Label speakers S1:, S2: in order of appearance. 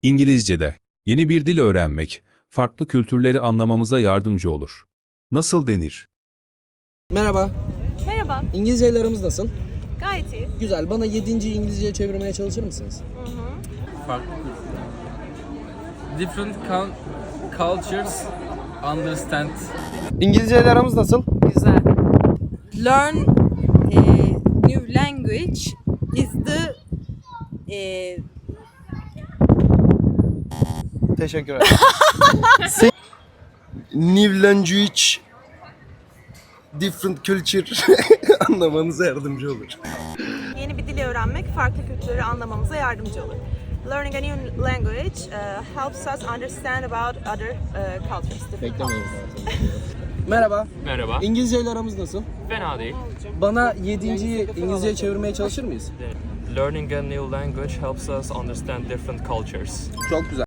S1: İngilizce'de yeni bir dil öğrenmek, farklı kültürleri anlamamıza yardımcı olur. Nasıl denir?
S2: Merhaba.
S3: Merhaba,
S2: İngilizceyle aramız nasıl?
S3: gayet iyi.
S2: Güzel. Bana 7. İngilizceye çevirmeye çalışır mısınız?
S4: Farklı different cultures understand.
S2: İngilizceyle aramız nasıl?
S5: Güzel. Learn new language is the
S2: Teşekkür ederim. New language, different culture anlamanıza yardımcı olur.
S3: Yeni bir dili öğrenmek farklı kültürleri anlamamıza yardımcı olur. Learning a new language helps us understand about other cultures.
S2: Beklemeyin. Merhaba.
S4: Merhaba.
S2: İngilizceyle aramız nasıl?
S4: Fena değil.
S2: Bana 7.yi İngilizceye çevirmeye çalışır mıyız?
S4: Learning a new language helps us understand different cultures.
S2: Çok güzel.